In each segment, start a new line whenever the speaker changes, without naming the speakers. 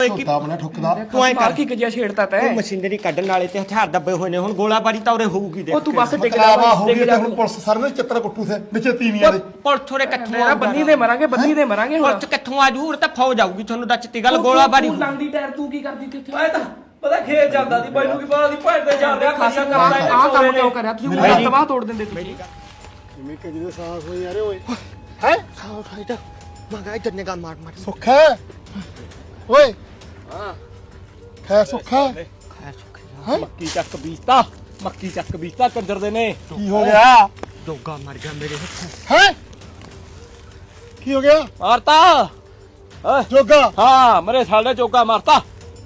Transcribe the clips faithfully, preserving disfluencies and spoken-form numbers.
ਝੋਟਾ ਬਣਾ ਠੁੱਕਦਾ
ਤੂੰ ਐ ਕਰ ਕੀ ਕਜਿਆ ਛੇੜਤਾ ਤੈ
ਮਸ਼ੀਨਰੀ ਕੱਢਣ ਵਾਲੇ ਤੇ ਹਥਿਆਰ ਦੱਬੇ ਹੋਏ ਨੇ ਹੁਣ ਗੋਲਾਬਾਰੀ ਤਾਂ ਉਰੇ ਹੋਊਗੀ ਦੇਖ
ਉਹ ਤੂੰ ਬਸ ਟਿਕ
ਮਕਲਾਵਾ ਹੋ ਗਈ ਤੇ ਹੁਣ ਪੁਲਿਸ ਸਾਰੇ ਚਿੱਤਰ ਕੁੱਟੂ ਸੇ ਵਿੱਚ ਤੀਵੀਆਂ ਦੇ
ਪੁਲਿਸ ਥੋੜੇ ਕਿੱਥੋਂ
ਮੇਰਾ ਬੰਨੀ ਦੇ ਮਰਾਂਗੇ ਬੰਨੀ ਦੇ ਮਰਾਂਗੇ ਹੁਣ
ਪੁਲਿਸ ਕਿੱਥੋਂ ਆਜੂ ਉਰੇ ਤਾਂ ਫੌਜ ਆਊਗੀ ਤੁਹਾਨੂੰ ਦੱਸਤੀ ਗੱਲ ਗੋਲਾਬਾਰੀ
ਤੂੰ ਲੰਦੀ ਟਾਇਰ ਤੂੰ ਕੀ ਕਰਦੀ ਤੇ
ਮੈਂ ਤਾਂ ਪਤਾ ਖੇਤ ਜਾਂਦਾ ਸੀ ਮੈਨੂੰ ਕੀ ਪਤਾ ਸੀ ਭੈਣ ਤੇ ਜਾ ਰਿਹਾ ਖਾਸਾ ਕਰਦਾ
ਆਹ ਕੰਮ ਕਿਉਂ ਕਰਿਆ ਤੁਸੀਂ ਮੇਰਾ ਤਬਾਹ ਤੋੜ ਦਿੰਦੇ ਤੁਸੀਂ
ਜਿਵੇਂ ਕਿ ਜਿਹਦੇ ਸਾਹ ਹੋਈ ਯਾਰੇ ਓਏ ਹੈ
ਸਾਹ ਖਾਈਦਾ ਮਗਾ ਇੱਧਰ ਨਿਗਾਹ ਮਾਰ ਮਾਰ
ਸੁੱਖ ਹੈ ਓਏ ਹਾਂ ਖੈ ਸੁੱਖ ਹੈ
ਖਾਇਆ ਸੁੱਖਾ
ਹੈਂ?
ਮੱਕੀ ਚੱਕ ਬੀਜਤਾ ਮੱਕੀ ਚੱਕ ਬੀਜਤਾ ਕੰਜਰ ਦੇ ਨੇ
ਕੀ ਹੋ ਗਿਆ
ਜੋਗਾ ਮਰ ਗਿਆ ਮੇਰੇ ਹੱਥੋਂ
ਹੈ ਕੀ ਹੋ ਗਿਆ
ਮਾਰਤਾ ਓਏ
ਜੋਗਾ
ਹਾਂ ਮਰੇ ਸਾਲੇ ਚੋਗਾ ਮਾਰਤਾ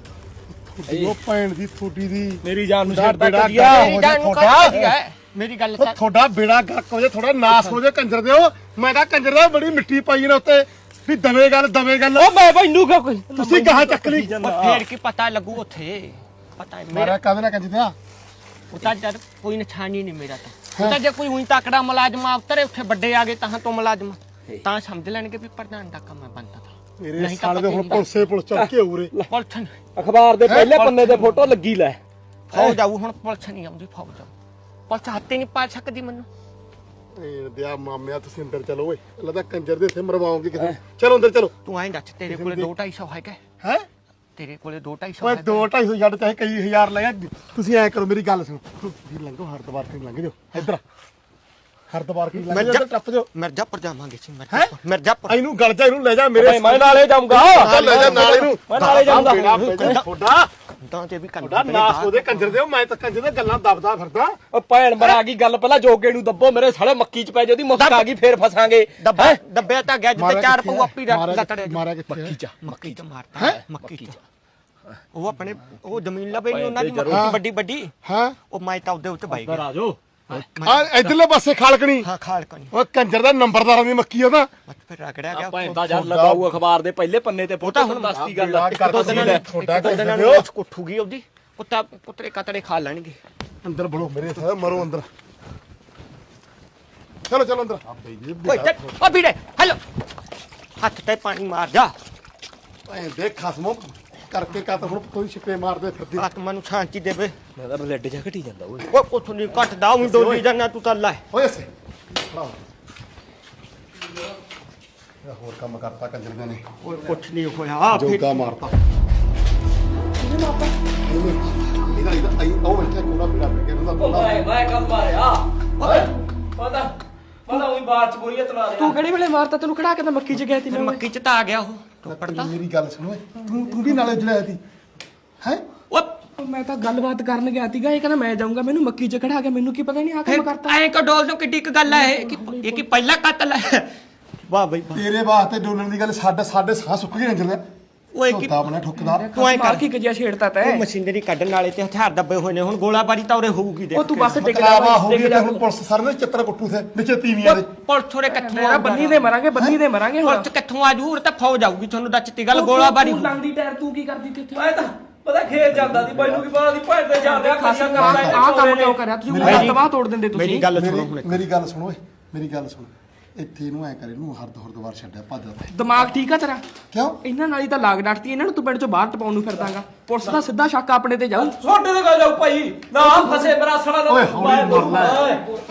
ਉਹ ਭੈਣ ਦੀ ਥੋਡੀ ਦੀ
ਮੇਰੀ ਜਾਨ ਨੂੰ
ਦਾ
ਛੱਡਦਾ
ਬੇੜਾ
ਕਰੀਆ
ਗਰਕ
ਮੇਰੀ ਜਾਨ ਨੂੰ
ਤੁਹਾਡਾ?
ਕੱਢ ਹੈ ਮੇਰੀ ਗੱਲ
ਉਹ ਤੁਹਾਡਾ ਬੇੜਾ ਗਰਕ ਹੋ ਜਾ ਥੋੜਾ ਨਾਸ ਹੋ ਜਾ ਕੰਜਰ ਦਿਓ ਮੈਂ ਤਾਂ ਕੰਜਰ ਦਾ ਬੜੀ ਮਿੱਟੀ ਪਾਈ ਨੇ ਉੱਤੇ ਵੀ ਦਵੇ ਗੱਲ ਦਵੇ ਗੱਲ
ਓ ਮੈਂ ਮੈਨੂੰ ਕਿਉਂ ਕੋਈ
ਤੁਸੀਂ ਗਾਹਾਂ ਚੱਕ ਲਈ
ਉਹ ਫੇਰ ਕੀ ਪਤਾ ਲੱਗੂ ਉੱਥੇ ਪਤਾ ਹੈ
ਮਾਰਾ
ਮੇਰਾ
ਕਾਹਦੇ ਨਾਲ ਕੰਜ ਦਿਆ
ਉਤਾ ਜਦ ਕੋਈ ਨਿਸ਼ਾਨੀ ਨਹੀਂ ਮੇਰਾ ਤਾਂ ਉਤਾ ਜੇ ਕੋਈ ਉਹੀ ਤਕੜਾ ਮੁਲਾਜ਼ਮ ਉਤਰੇ ਉੱਥੇ ਵੱਡੇ ਆ ਗਏ ਤਾਂ ਤੋਂ ਮੁਲਾਜ਼ਮ ਤਾਂ ਸਮਝ ਲੈਣਗੇ ਵੀ ਪ੍ਰਧਾਨ ਦਾ ਕੰਮ ਹੈ ਬੰਦਾ ਤਾਂ
ਮੇਰੇ
ਨਹੀਂ ਤਾਂ
ਸਾਲੇ ਦੇ
ਪਤਾ
ਹੁਣ
ਹੀ
ਪੁਲਸੇ ਪੁਲਿਸ ਚੱਕ ਕੇ ਉਰੇ
ਪੁਲਿਸ ਨੀ-
ਅਖਬਾਰ ਦੇ ਪਹਿਲੇ ਪੰਨੇ ਤੇ ਫੋਟੋ ਲੱਗੀ ਲੈ
ਫੌਜ ਆਊ ਹੁਣ ਪੁਲਿਸ ਨਹੀਂ ਆਉਂਦੀ ਫੌਜ ਆਊ ਪੁਲਿਸ ਹੱਥੇ ਨਹੀਂ ਪਾ ਸਕਦੀ ਮੈਨੂੰ
ਇਹ ਦਿਆ ਮਾਮਿਆ ਤੁਸੀਂ ਅੰਦਰ ਚਲੋ ਓਏ ਲੱਗਦਾ ਕੰਜਰ ਦੇ ਇੱਥੇ ਮਰਵਾਓਗੇ ਕਿਸੇ ਨੂੰ। ਚਲੋ ਅੰਦਰ ਚਲੋ
ਤੂੰ ਐਂ ਦੱਸ ਤੇਰੇ ਕੋਲੇ ਦੋ ਢਾਈ ਸੌ ਹੈਗਾ
ਹੈ
ਤੇਰੇ ਕੋਲੇ ਦੋ ਢਾਈ ਸੌ
ਓਏ
ਹੈਗਾ
ਦੋ ਢਾਈ ਸੌ ਛੱਡ ਚਾਹੇ ਕਈ ਹਜ਼ਾਰ ਲੈ ਜਾ ਤੁਸੀਂ ਐ ਕਰੋ ਮੇਰੀ ਗੱਲ ਸੁਣੋ ਤੁਸੀਂ ਲੰਘੋ ਹਰਦਵਾਰ ਤੋਂ ਲੰਘ ਜਾਓ ਇੱਧਰ ਹਰਦਵਾਰ ਤੋਂ ਲੰਘ ਜਾਓ ਟੱਪ ਜਾਓ
ਮਿਰਜ਼ਾਪੁਰ ਜਾਵਾਂਗੇ ਸੀ
ਹੈਂ?
ਮਿਰਜ਼ਾਪੁਰ ਮਿਰਜ਼ਾਪੁਰ
ਇਹਨੂੰ ਗਲ ਜਾ ਇਹਨੂੰ ਲੈ ਜਾ ਮੇਰੇ
ਮੈਂ ਨਾਲੇ ਜਾਊਂਗਾ
ਚੱਲ ਲੈ ਜਾ ਨਾਲ ਇਹਨੂੰ
ਮੈਂ ਨਾਲੇ ਜਾਊਂਗਾ
ਤੁਹਾਡਾ
ਤਾਂ ਤੇ ਵੀ
ਤੁਹਾਡਾ ਨਾਸ ਉਹਦੇ ਕੰਜਰ ਦੇ ਮੈਂ ਤਾਂ ਕੰਜਰ ਦੇ ਗੱਲਾਂ ਦੱਬਦਾ ਫਿਰਦਾ
ਓ ਭੈਣ ਮਰ ਆ ਗਈ ਗੱਲ ਪਹਿਲਾਂ ਜੋਗੇ ਨੂੰ ਦੱਬੋ ਮੇਰੇ ਸਾਲੇ ਮੱਕੀ ਚ ਪੈ ਜੇ ਉਹਦੀ ਮੁਸਕ ਆ ਗਈ ਫੇਰ ਫਸਾਂਗੇ
ਦੱਬਾ ਦੱਬਿਆ ਤਾਂ ਗਿਆ ਜਿੱਤੇ ਚਾਰ ਪਊ ਆਪੀ
ਮਾਰਿਆ
ਲੱਤੜੇ
ਕਿੱਥੇ- ਮਾਰਿਆ ਕਿੱਥੇ
ਮੱਕੀ ਚ
ਮੱਕੀ ਚ ਮਾਰਤਾ ਮੱਕੀ ਚ ਉਹ ਆਪਣੇ ਉਹ ਜ਼ਮੀਨ ਲਵੇ ਨਹੀਂ ਉਹਨਾਂ ਦੀ ਮੱਕੀ ਵੱਡੀ ਵੱਡੀ
ਹਾਂ
ਉਹ
ਮੈਂ ਤਾਂ ਉਹਦੇ ਉੱਤੇ ਬਾਈ ਗਿਆ
ਆ ਜਾਓ
ਆ ਇਧਰਲੇ ਪਾਸੇ ਖਾਲਕਣੀ
ਹਾਂ ਖਾਲਕ ਨਹੀਂ
ਉਹ ਕੰਜਰ ਦਾ ਨੰਬਰਦਾਰਾਂ ਦੀ ਮੱਕੀ ਉਹਦਾ
ਬਸ ਫਿਰ ਰਗੜਿਆ ਗਿਆ
ਭੈਣ ਦਾ ਜਦ ਲਗਾਊ ਅਖਬਾਰ ਦੇ ਪਹਿਲੇ ਪੰਨੇ ਤੇ ਫੋਟੋ ਹੁਣ ਦੱਸਦੀ ਗੱਲ
ਬੇੜਾ
ਦੋ
ਗਰਕ
ਦਿਨਾਂ
ਸੀ
ਨੂੰ
ਤੁਹਾਡਾ
ਦੋ ਦਿਨਾਂ ਨੂੰ ਉਸ ਉੱਠੂਗੀ ਉਹਦੀ ਕੁੱਤਾ ਕੁੱਤਰੇ ਕਤੜੇ ਖਾ ਲੈਣਗੇ
ਅੰਦਰ ਬੜੋ ਮੇਰੇ ਸਾਹ ਮਰੋ ਅੰਦਰ ਚਲੋ ਚਲੋ ਅੰਦਰ ਆ ਬਈ ਜੀ
ਓਏ ਚੱਲ ਓ ਵੀਰੇ ਹੈਲੋ ਹੱਥ ਤੇ ਪਾਣੀ ਮਾਰ ਜਾ
ਐ ਦੇਖ ਖਸਮੋ ਕਰਕੇ ਕਾ ਤਾਂ ਹੁਣ ਕੋਈ ਛਿੱਪੇ ਮਾਰਦੇ ਫਿਰਦੀ
ਆਤਮਾ ਨੂੰ ਸ਼ਾਂਤੀ ਦੇਵੇ
ਮੈਂ ਤਾਂ ਬਲੱਡ ਜਾ ਘਟੀ ਜਾਂਦਾ ਓਏ
ਓਏ ਕੁਛ ਨਹੀਂ ਘਟਦਾ ਉਹ ਡੋਲੀ ਜਾਣਾ ਤੂੰ ਤਾਂ ਲੈ
ਓਏ ਸੇ ਇਹ ਹੋਰ ਕੰਮ ਕਰਤਾ ਕੰਜਰੀਆਂ ਨੇ
ਓਏ ਕੁਛ ਨਹੀਂ ਹੋਇਆ ਫਿਰ
ਜੋਗਾ ਮਾਰਤਾ ਇਹਦਾ ਇਹਦਾ ਆਈ ਉਹ ਇੱਥੇ ਕੋੜਾ ਪੀੜਾ ਪੈ ਗਿਆ ਉਹਦਾ
ਓ
ਕੋੜਾ
ਮੈਂ ਮੈਂ ਕੰਮ ਮਾਰਿਆ ਓਏ ਪਤਾ ਪਤਾ ਉਹੀ ਬਾਤ ਚ ਗੋਲੀਆਂ ਚਲਾ ਰਿਹਾ
ਤੂੰ ਕਿਹੜੇ ਵੇਲੇ ਮਾਰਤਾ ਤੈਨੂੰ ਖੜਾ ਕੇ ਤਾਂ ਮੱਕੀ ਚ ਗਿਆ ਤੀ
ਫਿਰ ਮੱਕੀ ਚ ਤਾਂ ਆ ਗਿਆ ਉਹ ਤੂੰ ਪੜਦਾ
ਮੇਰੀ ਗੱਲ ਸੁਣੋ ਤੂੰ ਤੂੰ ਵੀ ਨਾਲੇ ਜੜਿਆ ਸੀ ਹੈ
ਓਏ
ਮੈਂ ਤਾਂ ਗੱਲਬਾਤ ਕਰਨ ਗਿਆ ਸੀਗਾ ਇਹ ਕਹਿੰਦਾ ਮੈਂ ਜਾਊਂਗਾ ਮੈਨੂੰ ਮੱਕੀ ਚ ਖੜਾ ਕੇ ਮੈਨੂੰ ਕੀ ਪਤਾ ਨਹੀਂ ਆ ਕੰਮ ਕਰਤਾ
ਐਂ ਕੋ ਡੋਲ ਤੋਂ ਕਿੱਡੀ ਕੁ ਗੱਲ ਹੈ ਇਹ ਕਿ ਇਹ ਕੀ ਪਹਿਲਾ ਕਤਲ ਹੈ ਵਾਹ ਬਈ ਵਾਹ
ਤੇਰੇ ਵਾਸਤੇ ਡੋਲਣ ਦੀ ਗੱਲ ਸਾਡੇ ਸਾਡੇ ਸਾਹ ਸੁੱਕ ਗਏ ਅੰਦਰ
ਓਏ ਕੀ
ਝੋਟਾ ਬਣਾ ਠੁੱਕਦਾ
ਤੂੰ ਐਂ ਕਰ
ਕੀ ਕਜਿਆ ਛੇੜਤਾ ਤੈ
ਉਹ ਮਸ਼ੀਨਰੀ ਕੱਢਣ ਵਾਲੇ ਤੇ ਹਥਿਆਰ ਦੱਬੇ ਹੋਏ ਨੇ ਹੁਣ ਗੋਲਾਬਾਰੀ ਤਾਂ ਉਰੇ ਹੋਊਗੀ ਦੇਖ
ਉਹ ਤੂੰ ਬਸ ਟਿਕ
ਮਕਲਾਵਾ ਹੋ ਗਈ ਤੇ ਹੁਣ ਪੁਲਿਸ ਸਾਰੇ ਚਿੱਤਰ ਕੁੱਟੂ ਸੇ ਵਿੱਚ ਤੀਵੀਆਂ ਦੇ
ਪੁਲਿਸ ਥੋੜੇ ਕਿੱਥੋਂ
ਮੇਰਾ ਬੰਨੀ ਦੇ ਮਰਾਂਗੇ ਬੰਨੀ ਦੇ ਮਰਾਂਗੇ ਹੁਣ
ਪੁਲਿਸ ਕਿੱਥੋਂ ਆਜੂ ਉਰੇ ਤਾਂ ਫੌਜ ਆਊਗੀ ਤੁਹਾਨੂੰ ਦੱਸਤੀ ਗੱਲ ਗੋਲਾਬਾਰੀ
ਤੂੰ ਲੰਦੀ ਟਾਇਰ ਤੂੰ ਕੀ ਕਰਦੀ ਤੇ
ਮੈਂ ਤਾਂ ਪਤਾ ਖੇਤ ਜਾਂਦਾ ਸੀ ਮੈਨੂੰ ਕੀ ਪਤਾ ਸੀ ਭੈਣ ਤੇ ਜਾ ਰਿਹਾ ਖਾਸਾ ਕਰਦਾ
ਆਹ ਕੰਮ ਕਿਉਂ ਕਰਿਆ ਤੁਸੀਂ ਮੇਰਾ ਤਬਾਹ ਤੋੜ ਦਿੰਦੇ
ਮੇਰੀ
ਤੁਸੀਂ
ਗੱਲ ਸੁਣੋ ਹੁਣ
ਮੇਰੀ ਮੇਰੀ ਗੱਲ ਸੁਣੋ ਓਏ ਮੇਰੀ ਗੱਲ ਸੁਣ ਇੱਥੇ ਇਹਨੂੰ ਐ ਕਰੇ ਇਹਨੂੰ ਹਰਦ ਹਰਦਵਾਰ ਛੱਡਿਆ ਭੱਜ ਜਾ
ਦਿਮਾਗ ਠੀਕ ਆ ਤੇਰਾ
ਕਿਉਂ
ਇਹਨਾਂ ਨਾਲ ਹੀ ਤਾਂ ਲਾਗ ਡਾਟਤੀ ਇਹਨਾਂ ਨੂੰ ਤੂੰ ਪਿੰਡ ਚੋਂ ਬਾਹਰ ਟਪਾਉਣ ਨੂੰ ਫਿਰਦਾਗਾ ਪੁਲਿਸ ਦਾ ਸਿੱਧਾ ਸ਼ੱਕ ਆਪਣੇ ਤੇ ਜਾਊ
ਛੋਟੇ ਦੇ ਗੱਲ ਜਾਓ ਭਾਈ ਨਾ ਫਸੇ ਮੇਰਾ ਸਾਲਾ ਨਾ
ਓਏ ਹੌਲੀ ਮਰਨਾ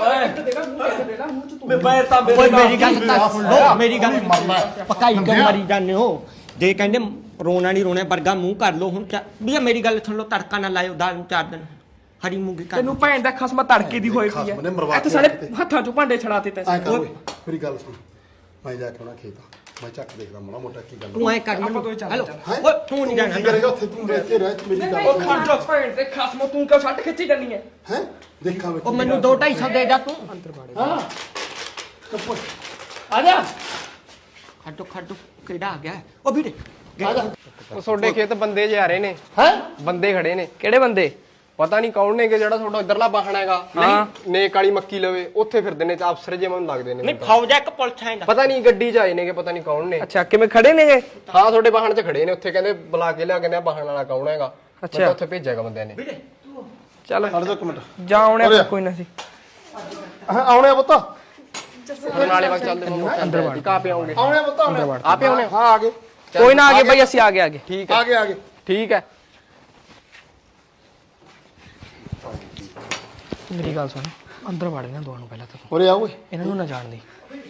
ਮੈਂ ਬੈਰ ਤਾਂ
ਓਏ
ਮੇਰੇ
ਮੇਰੀ ਗੱਲ ਤਾਂ ਸੁਣ ਲਓ ਮੇਰੀ ਗੱਲ
ਮਰਨਾ
ਪਕਾਈ ਕਿਉਂ ਮਰੀ ਜਾਂਦੇ ਹੋ ਜੇ ਕਹਿੰਦੇ ਰੋਣਾ ਨਹੀਂ ਰੋਣਾ ਵਰਗਾ ਮੂੰਹ ਕਰ ਲੋ ਹੁਣ ਵੀ ਮੇਰੀ ਗੱਲ ਸੁਣ ਲਓ ਤੜਕਾ ਨਾ ਲਾਇਓ ਦਾਲ ਨੂੰ ਚਾਰ ਦਿਨ ਹਰੀ ਮੂੰਗੀ ਕਰ
ਤੈਨੂੰ ਭੈਣ ਦਾ ਖਸਮਾ ਤੜਕੇ ਦੀ ਹੋਈ ਪਈ
ਖਸਮ ਨੇ ਮਰਵਾ
ਐ ਇੱਥੇ
ਕੇ
ਸਾਡੇ
ਰੱਖਤੇ।
ਹੱਥਾਂ ਚੋਂ ਭਾਂਡੇ ਛੜਾਤੇ ਤੈਂ
ਐ ਕਰ ਓਏ ਮੇਰੀ ਗੱਲ ਸੁਣ ਮੈਂ ਜਾ ਕੇ ਉਹਨਾਂ ਖੇਤ ਮੈਂ ਚੱਕ ਦੇਖਦਾ ਮਾੜਾ ਮੋਟਾ ਕੀ ਗੱਲ
ਤੂੰ ਐ ਕਰ ਮੈਨੂੰ ਹੈਲੋ
ਹੈਂ?
ਓਏ ਤੂੰ ਨਹੀਂ ਜਾਣਾ
ਕੀ ਕਰੇਗਾ ਉੱਥੇ ਤੂੰ ਇੱਥੇ ਰਹਿ ਤੂੰ ਮੇਰੀ ਗੱਲ
ਉਹ ਖੜ ਜਾ ਭੈਣ ਤੇ ਖਸਮੋ ਤੂੰ ਕਿਉਂ ਛੱਡ ਖਿੱਚੀ ਜਾਨੀ ਐ
ਹੈ ਦੇਖਾਂ ਮੈਂ
ਉਹ ਮੈਨੂੰ ਦੋ ਢਾਈ ਸੌ ਦੇ ਜਾ ਤੂੰ
ਹਾਂ
ਆ ਜਾ
ਖੱਡੋ ਖੱਡੋ ਕਿਹੜਾ ਆ ਗਿਆ ਉਹ ਵੀਰੇ
ਉਹ ਤੁਹਾਡੇ ਖੇਤ ਬੰਦੇ ਜੇ ਆ ਰਹੇ ਨੇ
ਹੈ
ਬੰਦੇ ਖੜੇ ਨੇ
ਕਿਹੜੇ ਬੰਦੇ
ਪਤਾ ਨਹੀਂ ਕੌਣ ਨੇਗੇ ਜਿਹੜਾ ਤੁਹਾਡਾ ਇਧਰਲਾ ਬਾਹਣ ਹੈਗਾ
ਹਾਂ।
ਨੇਕ ਵਾਲੀ ਮੱਕੀ ਲਵੇ ਉੱਥੇ ਫਿਰਦੇ ਨੇ ਅਫਸਰ ਜੇ ਮੈਨੂੰ ਲੱਗਦੇ ਨੇ
ਨਹੀਂ ਫੌਜ ਆ ਇੱਕ ਪੁਲਿਸ ਆਏਗਾ
ਪਤਾ ਨਹੀਂ ਗੱਡੀ 'ਚ ਆਏ ਨੇਗੇ ਪਤਾ ਨਹੀਂ ਕੌਣ ਨੇ
ਅੱਛਾ ਕਿਵੇਂ ਖੜੇ ਨੇਗੇ
ਹਾਂ ਤੁਹਾਡੇ ਬਾਹਣ 'ਚ ਖੜੇ ਨੇ ਉੱਥੇ ਕਹਿੰਦੇ ਬੁਲਾ ਕੇ ਲਿਆ ਕਹਿੰਦੇ ਬਾਹਣ ਵਾਲਾ ਕੌਣ ਹੈਗਾ ਮੈਂ
ਅੱਛਾ।
ਤਾਂ ਉੱਥੇ ਭੇਜਿਆਗਾ ਬੰਦਿਆਂ ਨੇ
ਵੀਰੇ
ਚੱਲ
ਖੜ ਜਾ ਇੱਕ ਮਿੰਟ
ਜਾ ਆਉਣੇ ਫਿਰ ਕੋਈ ਨਾ ਸੀ
ਹਾਂ ਆਉਣੇ ਆ ਪੁੱਤ
ਨਾਲੇ ਵਕ ਚੱਲਦੇ ਅੰਦਰ ਵੜ ਕਾ ਪੇ ਆਉਂਗੇ
ਆਉਣੇ ਆ ਪੁੱਤ ਆਉਣੇ ਆ।
ਆਪੇ ਆਉਣੇ
ਹਾਂ ਆ ਗਏ
ਕੋਈ ਨਾ ਆ ਗਏ ਬਈ ਅਸੀਂ ਆ ਗਏ ਆ ਗਏ
ਠੀਕ ਹੈ
ਆ ਗਏ ਆ ਗਏ
ਠੀਕ ਹੈ
ਮੇਰੀ ਗੱਲ ਸੁਣ ਅੰਦਰ ਵੜ ਇਹਨਾਂ ਦੋਵਾਂ ਨੂੰ ਪਹਿਲਾਂ ਤਾਂ
ਉਰੇ ਆ ਓਏ
ਇਹਨਾਂ ਨੂੰ ਨਾ ਜਾਣ ਦੇ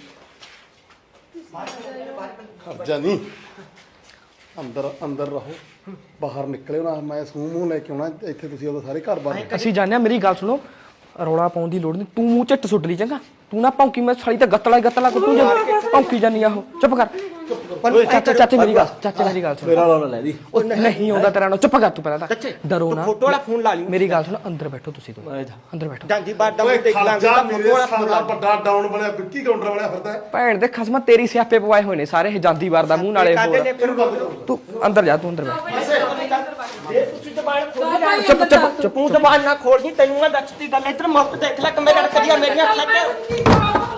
ਖਰਜਾ ਨਹੀਂ ਅੰਦਰ ਅੰਦਰ ਰਹੋ ਬਾਹਰ ਨਿਕਲਿਓ ਨਾ ਮੈਂ ਸੂਹ ਮੂੰਹ ਲੈ ਕੇ ਆਉਣਾ ਇੱਥੇ ਤੁਸੀਂ ਉਦੋਂ ਸਾਰੇ ਘਰ ਬਾਹਰ
ਅਸੀਂ ਜਾਣਿਆ ਮੇਰੀ ਗੱਲ ਸੁਣੋ ਰੌਲਾ ਪਾਉਣ ਦੀ ਲੋੜ ਨਹੀਂ ਤੂੰ ਮੂੰਹ ਝੱਟ ਸੁੱਟ ਲਈ ਚੰਗਾ ਤੂੰ ਨਾ ਭੌਂਕੀ ਮੈਂ ਸਾਲੀ ਤੇ ਗੱਤਲਾ ਗੱਤਲਾ ਕੁੱਟੂ ਜਾ ਭੌਂਕੀ ਜਾਨੀ ਆ ਉਹ ਚੁੱਪ ਕਰ ਚਾਚਾ ਚਾਚੇ ਮੇਰੀ ਗੱਲ ਚਾਚੇ ਮੇਰੀ ਗੱਲ ਸੁਣ
ਮੇਰਾ ਰੌਲਾ ਲੈ ਦੀ
ਉਹ ਨਹੀਂ ਆਉਂਦਾ ਤੇਰਾ ਨਾ ਚੁੱਪ ਕਰ ਤੂੰ ਪਹਿਲਾਂ ਤਾਂ ਡਰੋ ਨਾ
ਫੋਟੋ ਵਾਲਾ ਫੋਨ ਲਾ ਲਈ
ਮੇਰੀ ਗੱਲ ਸੁਣ ਅੰਦਰ ਬੈਠੋ ਤੁਸੀਂ ਦੋ ਅੰਦਰ ਬੈਠੋ
ਜਾਂਦੀ ਬਾਰ ਦਾ
ਓਏ
ਦੇਖ ਲਾਂਗੇ
ਖਰਜਾ
ਤਾਂ
ਮੇਰੇ
ਫੋਟੋ ਵਾਲਾ ਫੋਨ
ਸਾਲਾ
ਲਾ
ਵੱਡਾ ਡਾਊਨ ਬਣਿਆ ਵਿੱਕੀ ਕਾਊਂਟਰ ਵਾਲਿਆ ਫਿਰਦਾ ਹੈ।
ਭੈਣ ਦੇ ਖਸਮਾ ਤੇਰੀ ਸਿਆਪੇ ਪਵਾਏ ਹੋਏ ਨੇ ਸਾਰੇ ਇਹ ਜਾਂਦੀ ਵਾਰ ਦਾ ਮੂੰਹ ਨਾਲੇ
ਕਾਦੇ
ਹੋਰ
ਨੇ ਫਿਰ
ਤੂੰ ਅੰਦਰ ਜਾ ਤੂੰ ਅੰਦਰ ਬੈਠ
ਜੇ ਤੁਸੀਂ ਜ਼ਬਾਨ ਖੋਲੀ ਚੁੱਪ ਚੁੱਪ ਚੁੱਪ ਤੂੰ ਜ਼ਬਾਨ ਨਾ ਖੋਲਦੀ ਤੈਨੂੰ ਮੈਂ ਦੱਸਦੀ ਗੱਲ ਇੱਧਰ ਮੁੱਕ ਦੇਖ ਲੈ ਕਿ ਮੇਰੇ ਅੜਕਦੀਆਂ ਮੇਰੀਆਂ ਅੱਖਾਂ ਤੇ